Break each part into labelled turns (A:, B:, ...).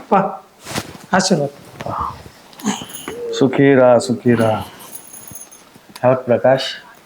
A: आप्पा आशीर्वाद.
B: सुखी राहा सुखी राहा. हा प्रकाश,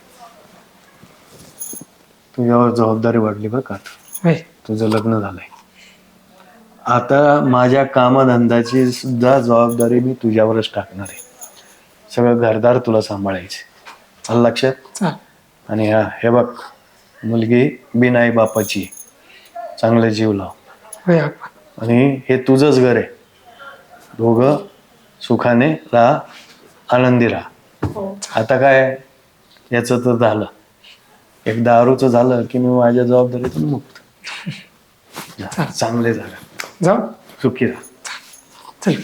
B: तुझ्यावर जबाबदारी वाढली बरं का.
A: होय.
B: तुझं लग्न झालंय. आता माझ्या कामधंद्याची सुद्धा जबाबदारी मी तुझ्यावरच टाकणार आहे. सगळं घरदार तुला सांभाळायचे. आलं लक्षात.
A: चाल.
B: आणि हे बघ, मुलगी बिनाई बापाची, चांगले जीव लाव.
A: होय आप्पा.
B: आणि हे तुझंच घर आहे. दोघं सुखाने राहा, आनंदी राहा. आता काय, याचं तर झालं. एक दारूचं झालं की मी माझ्या जबाबदारीतून मुक्त. चांगले झालं.
A: जाऊ.
B: सुखी राहा.
A: चल.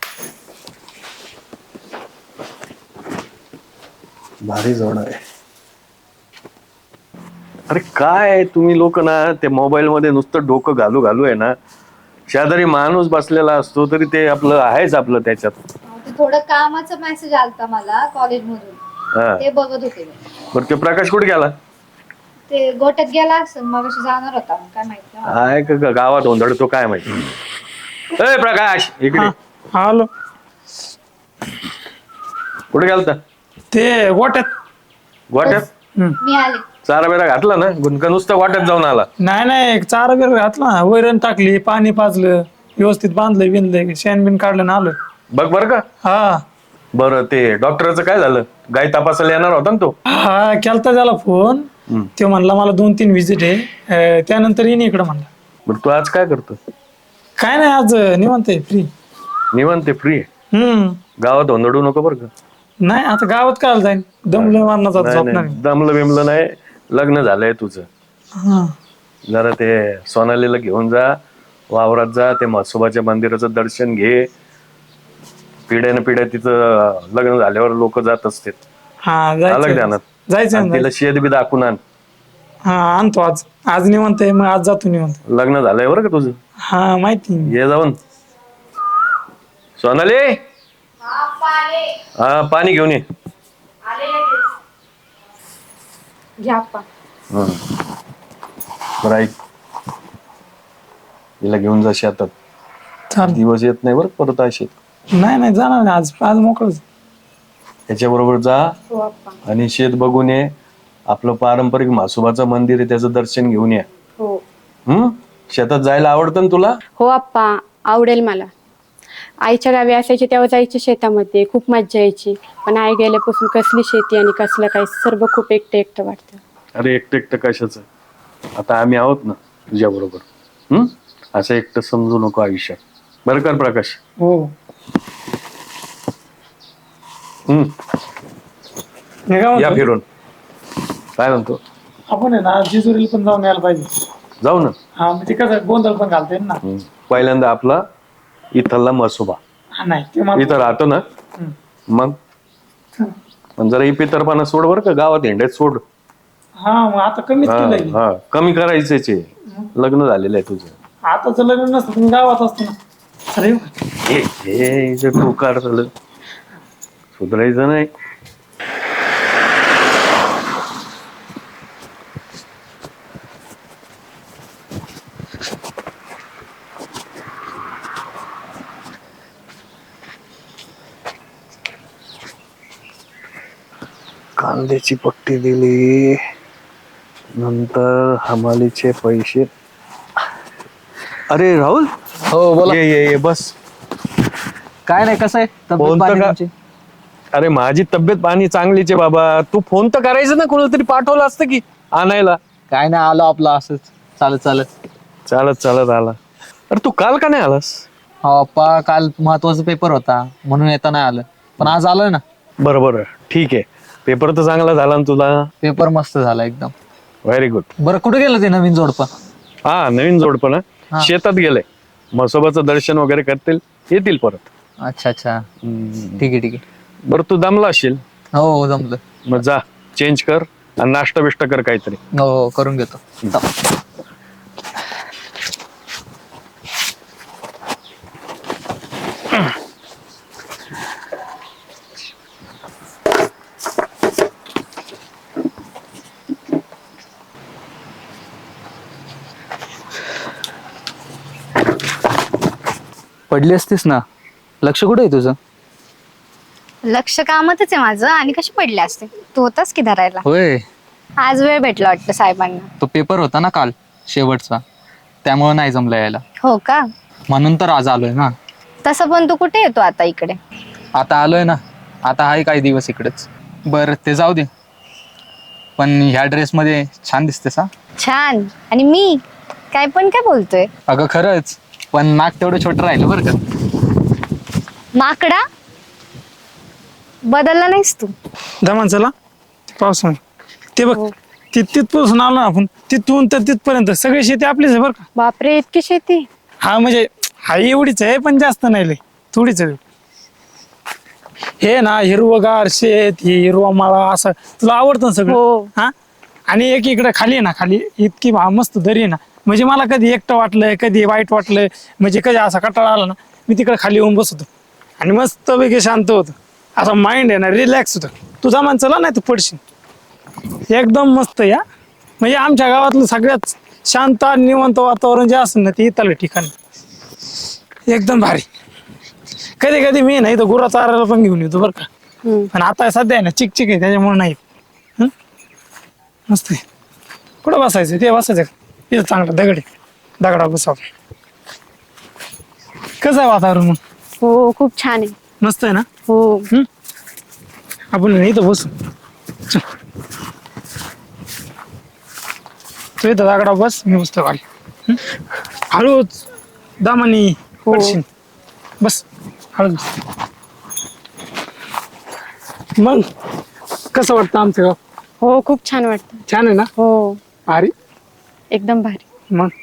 B: भारी जोड आहे. अरे काय तुम्ही लोक ना, ते मोबाईल मध्ये नुसतं डोकं घालू घालू आहे ना. शेजारी माणूस बसलेला असतो तरी ते आपलं आहेच आपलं त्याच्यात.
C: थोडं कामाचा मेसेज आलता मला कॉलेज मधून, ते बघत होते.
B: बरं ते प्रकाश कुठे गेला?
C: ते गोट्यात गेला असं मग जाणार होता, काय माहिती.
B: आहे का गावात ओंधळतो काय माहिती. ए प्रकाश इकडे.
A: आलो.
B: कुठे गेलता?
A: ते गोट्यात.
B: गोट्यात?
C: मी आले.
B: चारा बिरा घातला ना? गुणका नुसतं वाट्यात जाऊन आला?
A: नाही चारा बिर घातला, वैरण टाकली, पाणी पाजलं, व्यवस्थित बांधलं बिनलं, शेण बिन काढलं ना आलं.
B: बघ बरं का.
A: हा.
B: बरं ते डॉक्टरचं काय झालं? गाय तपासायला येणार होता ना तो?
A: हा केलता त्याला फोन. ते म्हणला मला 2-3 व्हिजिट आहे, त्यानंतर येईन इकडं म्हणला.
B: बरं तू आज काय करतो?
A: काय नाही आज निवांत आहे, फ्री.
B: निवांत फ्री आहे? गावात ओंधळू नको बरं का.
A: नाही आता गावात काय जाईन, दमलं मारण्याचा झोपणार.
B: दमलं बिमलं नाही, लग्न झालंय तुझं. जरा ते सोनालीला घेऊन जा, वावरात जा, ते म्हसोबाच्या मंदिराचं दर्शन घे. पिढ्यान पिढ्या तिथं लग्न झाल्यावर लोक जात असतात. अलग ध्यानात
A: जायचं.
B: तिला शेत बी दाखवून आण.
A: हा आणतो आज निवांत आहे, मग आज जातो निवांत.
B: लग्न झालंय बरं का तुझं.
A: हा माहिती.
B: ये जाऊन. सोनाली, हा पाणी घेऊन ये.
C: घ्या आप्पा.
B: बरं ऐक, तिला घेऊन जा शेतात.
A: चालेल.
B: दिवस येत नाही बरं परत असे.
A: नाही जाणार नाही, आज मोकळच.
B: त्याच्या बरोबर जा आणि शेत बघून ये. आपलं पारंपरिक म्हसोबाचं मंदिर आहे, त्याचं दर्शन घेऊन या. शेतात जायला आवडतं ना तुला?
D: हो आप्पा, आवडेल मला. आईच्या गावी असायची तेव्हा जायची शेतामध्ये, खूप मज्जा यायची. पण आई गेल्यापासून कसली शेती आणि कसलं काय, सर्व खूप एकटं वाटतं.
B: अरे एकटं कशाचं, आता आम्ही आहोत ना तुझ्या बरोबर. असं एकटं समजू नको आयुष्यात, बरं कर प्रकाश.
A: हो.
B: या फिरून. काय म्हणतो?
A: आपण आहे ना जेजुरीला पण जाऊन यायला पाहिजे.
B: जाऊ ना.
A: हा म्हणजे कसं गोंधळ पण घालता येईल ना.
B: पहिल्यांदा आपला इथला म्हसोबा.
A: नाही
B: इथं राहतो ना, मग जरा इपितरपणा सोड बरं का, गावात हिंड्यात सोड.
A: हा मग आता कमीच केलंय.
B: हा कमी करायचंच आहे. लग्न झालेलं आहे तुझं.
A: आताच लग्न नसतं तुम्ही गावात असतो ना. अरे
B: हे टोकार झालं, सुधारायचं नाही. कांद्याची पट्टी दिली, नंतर हमालीचे पैसे. अरे राहुल.
E: हो बोला.
B: ये बस.
E: काय नाही, कसं आहे तब्येत पाणी तुमची?
B: अरे माझी तब्येत पाणी चांगलीच आहे बाबा. तू फोन तर करायचं ना, कोणाला तरी पाठवलं असतं की आणायला.
E: काय नाही, आलो आपलं असंच चालत
B: आला. अरे तू काल का नाही आलास?
E: हो अप्पा, काल महत्वाचा पेपर होता म्हणून येता नाही आलं, पण आज आलोय ना.
B: बरं ठीक आहे. पेपर तर चांगला झाला ना तुला?
E: पेपर मस्त झाला एकदम.
B: Very good.
E: बरं कुठे गेलं ते नवीन जोडपं?
B: हा नवीन जोडपं ना, शेतात गेलंय. म्हसोबाचं दर्शन वगैरे करतील, येतील परत.
E: अच्छा ठीक आहे.
B: बरं तू दमला असशील.
E: हो जमलं.
B: मग जा चेंज कर आणि नाश्ता बिष्टा कर काहीतरी.
E: हो करून घेतो. पडली असतीस ना. लक्ष कुठे आहे तुझं?
C: लक्ष कामातच आहे माझं. आणि कशी पडले असते, तू होतास की धरायला.
E: होय.
C: आज वेळ भेटला वाटतं साहेबांना.
E: तो पेपर होता ना काल शेवटचा, त्यामुळे नाही जमलं यायला.
C: हो का?
E: म्हणून तर आज आलोय ना.
C: तसं पण तू कुठे येतो आता इकडे?
E: आता आलोय ना. आता आहे काही दिवस इकडेच. बरं ते जाऊ दे, पण ह्या ड्रेसमध्ये छान दिसतेस हा.
C: छान. आणि मी काय बोलतोय?
E: अगं खरंच, पण नाक तेवढं छोटं राहिलं बरं का.
C: माकडा, बदलला नाहीस तू.
A: दमान चला पावसाने. ते बघ
D: हो.
A: तिथपासून आलो ना आपण, तिथून तर तिथपर्यंत सगळी शेती आपलीच आहे बरं का.
D: बापरे, इतकी शेती?
A: हा म्हणजे हा एवढीच आहे, पण जास्त नाही लय, थोडीच आहे. हे ना हिरवगार शेत, हे हिरवा माळा असं तुला आवडतं ना सगळं.
D: हो.
A: हा. आणि एक इकडे खाली आहे ना, खाली इतकी मस्त दरी आहे ना, म्हणजे मला कधी एकटं वाटलंय, कधी वाईट वाटलंय, म्हणजे कधी असा कंटाळा आला ना, मी तिकडे खाली येऊन बसतो आणि मस्त पैकी शांत होतं. असा माइंड आहे ना रिलॅक्स होतं. तुझा मान चला नाही तू पडशील. एकदम मस्त या, म्हणजे आमच्या गावातलं सगळ्यात शांत आणि निवांत वातावरण जे असेल ना, ते इथलं ठिकाण एकदम भारी. कधी कधी मी नाही तर गुरा चारायला पण घेऊन येतो बरं का. पण आता सध्या आहे ना चिकचिक आहे, त्याच्यामुळे नाही. मस्त आहे. कुठं बसायचं ते बसायचं इथं, चांगलं दगड आहे, दगडा बसावं. कसं आहे वातावरण मग?
D: हो, खूप छान आहे.
A: मस्त आहे ना.
D: हो.
A: आपण इथं बसू. चल. तू इथं दगडा बस, मी बसतो खाली. हळूच दामानी पडशील. बस हळूच. मग कसं वाटतं आमचं गाव?
D: हो, खूप छान वाटतं.
A: छान आहे ना.
D: हो,
A: भारी.
D: एकदम भारी.
A: मग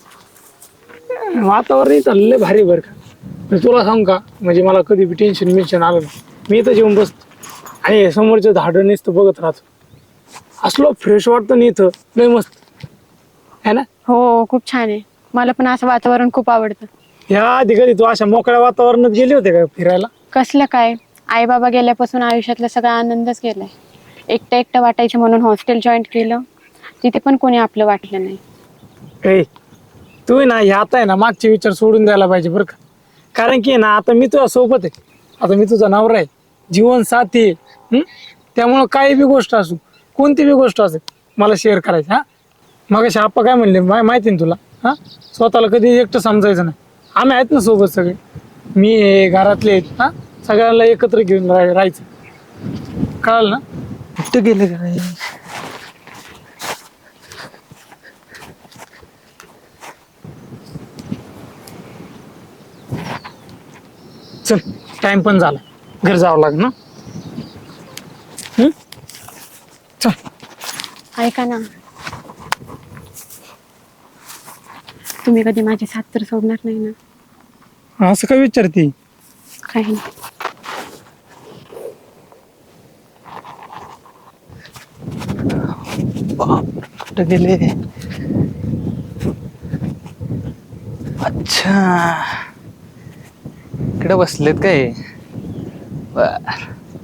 A: वातावरण इथं लय भारी बरं का. मी तुला सांग का, म्हणजे मला कधी बी टेन्शन आलं ना, मी इथं जेवून बसतो आणि समोरच्या झाडं नुसतं बघत राहतो. असलो फ्रेश वाटतं ना इथं, लय मस्त आहे ना.
D: हो, खूप छान आहे. मला पण असं वातावरण खूप आवडतं.
A: या आधी कधी तू अशा मोकळ्या वातावरणात गेले होते का फिरायला?
D: कसलं काय, आई बाबा गेल्यापासून आयुष्यातला सगळा आनंदच गेलाय. एकटं एकटं वाटायचं म्हणून हॉस्टेल जॉईन केलं, तिथे पण कोणी आपलं वाटलं नाही.
A: ए तू ना हे आता आहे ना मागचे विचार सोडून द्यायला पाहिजे बरं का. कारण की ना आता मी तुझ्या सोबत आहे, आता मी तुझा नवरा आहे, जीवन साथी आहे. त्यामुळं काही बी गोष्ट असू, कोणती बी गोष्ट असेल, मला शेअर करायची. हा मग अशा आप्पा काय म्हणले माहिती ना तुला. हा स्वतःला कधी एकटं समजायचं नाही. आम्ही आहेत ना सोबत सगळे, मी आहे, घरातले आहेत. हा सगळ्यांना एकत्र घेऊन राहायचं. कळलं ना. कुठं गेले काय? चल टाइम पण झाला, घर जावं लागेल ना. चल.
D: ऐका ना, तुम्ही कधी माझी साथ तर सोडणार नाही ना?
A: असं काय विचारते?
D: काही नाही.
E: कुठं गेले? अच्छा, इकडे बसलेत काय? बर.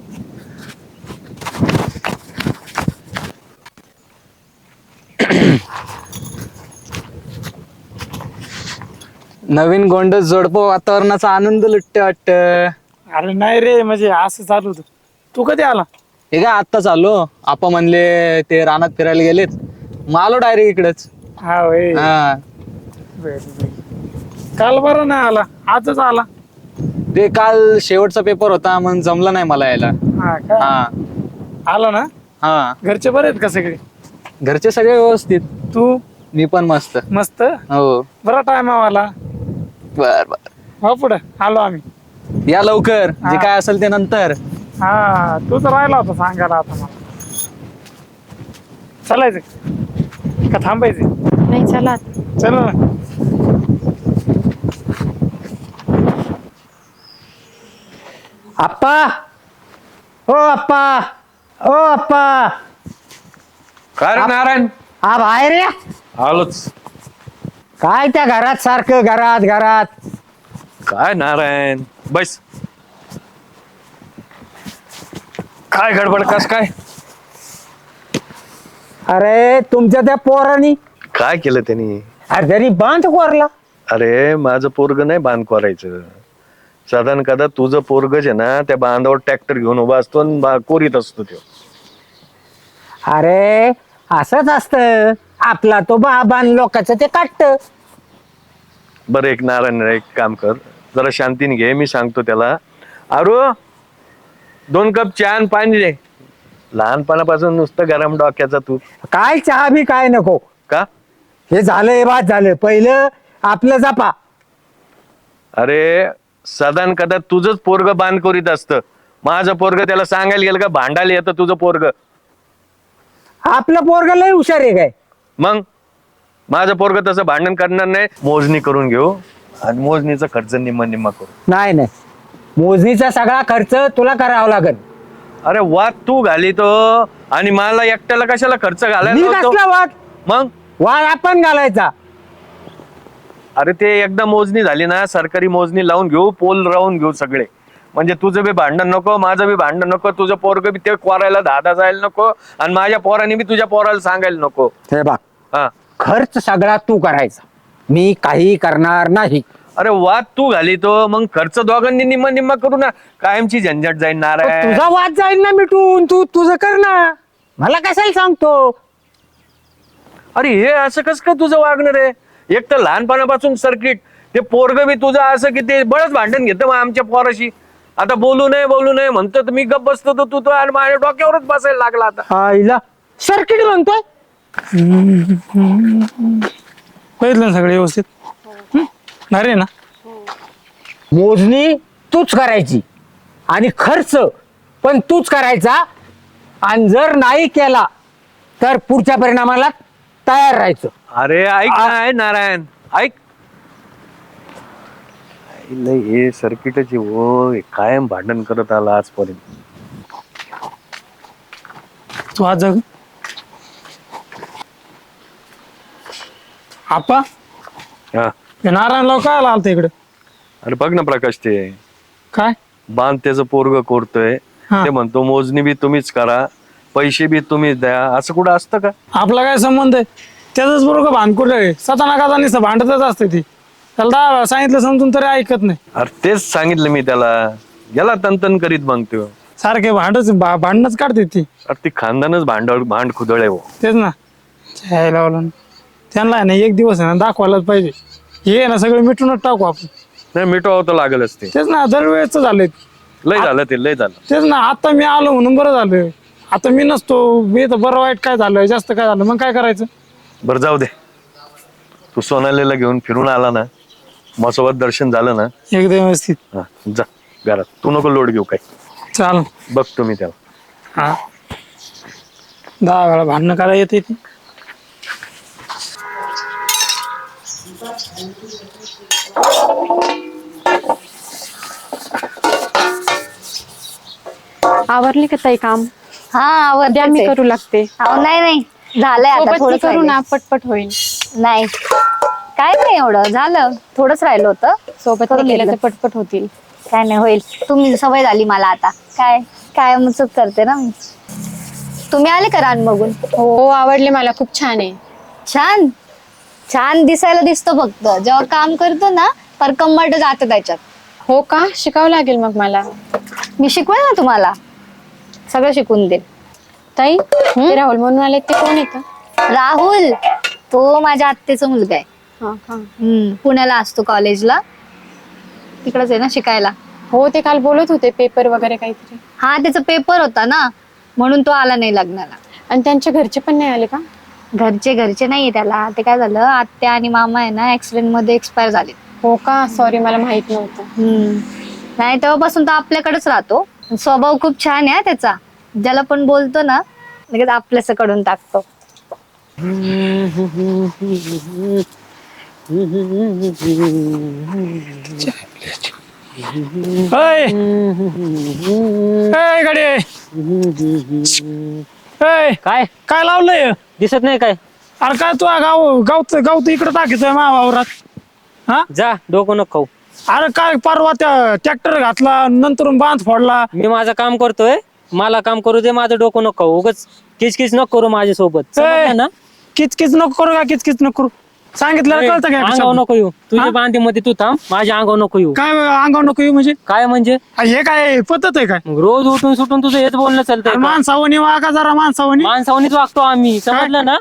E: नवीन गोंडस जोडपं वातावरणाचा आनंद लुटते वाटत.
A: अरे नाही रे, म्हणजे असं चालू होतं. तू कधी आला?
E: हे काय आत्ताच आलो. आपा म्हणले ते रानात फिरायला गेलेत, मग आलो डायरेक्ट इकडेच.
A: हा होय.
E: हा,
A: काल बरं नाही आला, आजच आला.
E: ते काल शेवटचा पेपर होता म्हणून जमलं नाही मला यायला.
A: हा का?
E: हा
A: आला ना.
E: हा,
A: घरचे बरे आहेत का सगळे?
E: घरचे सगळे व्यवस्थित.
A: तू?
E: मी पण मस्त.
A: मस्त.
E: हो.
A: बरा टाइम आला.
E: बर बर,
A: हो पुढे आलो आम्ही.
E: या लवकर, जे
A: हा.
E: काय असेल ते नंतर.
A: हा तूच राहिला होता सांगायला आता मला. चालायचं का थांबायचं?
D: नाही, चला.
A: चल ना.
F: आप्पा, ओ आप्पा, ओ आप्पा,
B: काय रे नारायण?
F: हा बाहेर या.
B: आलोच.
F: काय त्या घरात सारखं घरात घरात?
B: काय नारायण, बस. काय गडबड, कस काय?
F: अरे तुमच्या त्या पोरानी
B: काय केलं त्यांनी?
F: अरे जरी बांध कोरला.
B: अरे माझं पोरग नाही बांध करायचं. साधारण कदा तुझं पोरगच आहे ना, त्या बांधावर ट्रॅक्टर घेऊन उभा असतो आणि कोरीत असतो तो.
F: अरे असंच असतं, आपला तो बाबान लोकांचं ते काटत.
B: बरं एक नारायण एक काम कर, जरा शांतीने घे, मी सांगतो त्याला. अरू 2 कप चहा आणि पाणी दे. लहानपणापासून नुसतं गरम डोक्याचा तू.
F: काय चहा बी काय नको.
B: का?
F: हे झालं हे बाद झालं, पहिलं आपलं जपा.
B: अरे साधारण कदा तुझंच पोरग बांध करीत असतं. माझं पोरग त्याला सांगायला गेलं का भांडायला येतं तुझं पोरग.
F: आपलं पोरग लय हुशार आहे काय.
B: मग माझं पोरग तसं भांडण करणार नाही. मोजणी करून घेऊ आणि मोजणीचा खर्च निम्मा करू.
F: नाही नाही, मोजणीचा सगळा खर्च तुला करावा लागेल.
B: अरे वाद तू घाली तो, आणि मला एकट्याला कशाला खर्च
F: मी
B: घालायला लावतो?
F: कसला वाद?
B: मग
F: वाद आपण घालायचा.
B: अरे ते एकदा मोजणी झाली ना, सरकारी मोजणी लावून घेऊ, पोल राहून घेऊ सगळे. म्हणजे तुझं बी भांडण नको, माझं बी भांडण नको, तुझं पोरग बी ते कोरायला धादा जायला नको, आणि माझ्या पोराने बी तुझ्या पोराला सांगायला नको.
F: हे बघ,
B: हा.
F: खर्च सगळा तू करायचा, मी काही करणार नाही.
B: अरे वाद तू घाली तो, मग खर्च दोघांनी निम्मा करू ना, कायमची झंझट जाईल नारायण.
F: तुझा वाद जाईल ना मिटून, तू तुझं कर ना, मला कशाला सांगतो.
B: अरे हे असं कस काय तुझं वागणार आहे? एक तर लहानपणापासून सर्किट, ते पोरग बी तुझं असं की ते बळच भांडण घेतं मग आमच्या पोराशी. आता बोलू नये म्हणतो तर मी गप्प बसतो, तर तू तो आणि माझ्या डोक्यावरच बसायला लागला आता.
F: आईला सर्किट म्हणतोय.
A: बघितलं ना सगळं व्यवस्थित? अरे ना,
F: मोजणी तूच करायची आणि खर्च पण तूच करायचा, आणि जर नाही केला तर पुढच्या परिणामाला तयार राहायचं.
B: अरे ऐक ना नारायण, ऐक. हे सर्किटची हो कायम भांडण करत आला आजपर्यंत.
A: तू आज जग आपा
B: हा.
A: हे नारायणराव काय आला इकडे?
B: अरे बघ ना प्रकाश, ते
A: काय
B: बांध त्याचं पोरग कोरतोय,
A: हा.
B: ते म्हणतो मोजणी बी तुम्हीच करा, पैसे बी तुम्हीच द्या. असं कुठं असतं का?
A: आपला काय संबंध आहे? त्याच बरोबर भानकुड आहे, सताना का नुसतं भांडतच असते ती. त्याला 10 वेळा सांगितलं समजून तरी ऐकत नाही.
B: अरे तेच सांगितलं मी त्याला, गेला तन करीत मग तो.
A: सारखे भांडणच काढते ती.
B: अरे ती खानदानच भांड खुदळ आहे हो.
A: तेच ना, छायला लावलं. त्यांना आहे ना एक दिवस आहे ना दाखवायलाच पाहिजे. हे ना सगळं मिटूनच टाकू आपण.
B: नाही मिटवावं तर लागलच ते.
A: तेच ना, दरवेळेच झालंय.
B: लय झालं ते, लय झालं.
A: तेच ना, आता मी आलो म्हणून बरं झालं. आता मी नसतो, मी तर बरं वाईट काय झालं, जास्त काय झालं, मग काय करायचं?
B: बरं जाऊ दे, तू सोनालीला घेऊन फिरून आला ना, माझ्यासोबत दर्शन झालं ना,
A: एकदम व्यवस्थित.
B: हा जा घरात, तू नको लोड घेऊ काय.
A: चाल.
B: बघतो मी त्याला.
A: हा 10 वेळा भांडणं करायला येते ती.
D: आवरली का ताई काम?
C: हा
D: द्या मी करू लागते.
C: नाही झालंय आता,
D: सोबत
C: थोडंच
D: करू
C: राहिलंय.
D: ना, पटपट होईल.
C: नाही काय नाही एवढं झालं, थोडंच राहिलं होतं.
D: सोबत
C: करून
D: केलं
C: घेतलं.
D: तर पटपट होतील.
C: काय नाही होईल. तुम्ही सवय झाली मला आता. काय चूक करते ना मी. तुम्ही आले का रान बघून?
D: हो आवडले मला, खूप छान आहे.
C: छान दिसायला दिसतो, फक्त जेव्हा काम करतो ना पर कंबरट जातं त्याच्यात.
D: हो का, शिकावं लागेल मग मला.
C: मी शिकवेल ना तुम्हाला, सगळं शिकून दे.
D: ताई ते राहुल म्हणून आले, ते कोण येतं?
C: राहुल, तो माझ्या आत्याचा मुलगा आहे.
D: हा का.
C: पुण्याला असतो कॉलेजला, तिकडच आहे ना शिकायला.
D: हो ते काल बोलत होते, पेपर वगैरे काहीतरी.
C: हा त्याचा पेपर होता ना, म्हणून तो आला नाही लग्नाला.
D: आणि त्यांच्या घरचे पण नाही आले का?
C: घरचे नाहीये त्याला. ते काय झालं, आत्या आणि मामा आहे ना ऍक्सिडेंट मध्ये एक्सपायर झाले.
D: हो का, सॉरी मला माहित नव्हतं.
C: नाही तेव्हापासून तो आपल्याकडेच राहतो. स्वभाव खूप छान आहे त्याचा, ज्याला पण बोलतो ना लगेच आपल्यास कडून टाकतो.
A: गाडी
F: काय
A: काय लावलंय?
F: दिसत नाही काय?
A: अरे काय तू गाव तर इकडे टाकायचंय वावरात. हा
G: जा डोकं नको खाऊ.
A: अरे काय परवा त्या ट्रॅक्टर घातला, नंतर बांध फोडला.
G: मी माझं काम करतोय, मला काम करू दे, माझं डोकं नको खाऊ. उगाच किचकिच नको करू माझ्यासोबत, समजलं ना?
A: किचकिच नको करू का, किचकिच नको करू. सांगितलं कळतं काय
G: अंगावर नको येऊ तुझ्या बांधीमध्ये तू थांब माझ्या अंगावर नको येऊ
A: काय अंगावर नको येऊ म्हणजे
G: काय म्हणजे
A: हे काय पद्धत आहे काय
G: मग रोज उठून सुटून तुझं हेच बोलणं चालतंय का?
A: माणसावणी वागा जरा माणसावणी
G: माणसावणीच वागतो आम्ही समजलं ना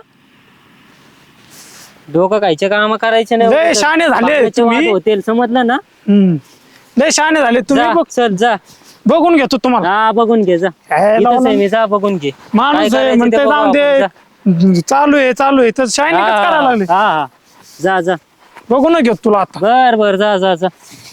G: डोकं खायचे काम करायचे
A: लय
G: नाही
A: शहाणे झाले
G: बापाचे
A: तुम्ही.
G: वाद होतील समजलं ना
A: लय शहाणे झाले तुम्ही
G: जा, चल जा
A: बघून घेतो तुम्हाला
G: हा बघून घे जा
A: हे
G: इथंच
A: लावलं.
G: आहे मी जा बघून घे
A: माणूस
G: काय
A: आहे
G: करायचं
A: म्हणते
G: ते बघू
A: जाऊन
G: आपण, जा.
A: दे चालू आहे तर शायनिंग करायला लागले
G: हा जा जा
A: बघून घेतो तुला आता
G: बर बर जा जा जा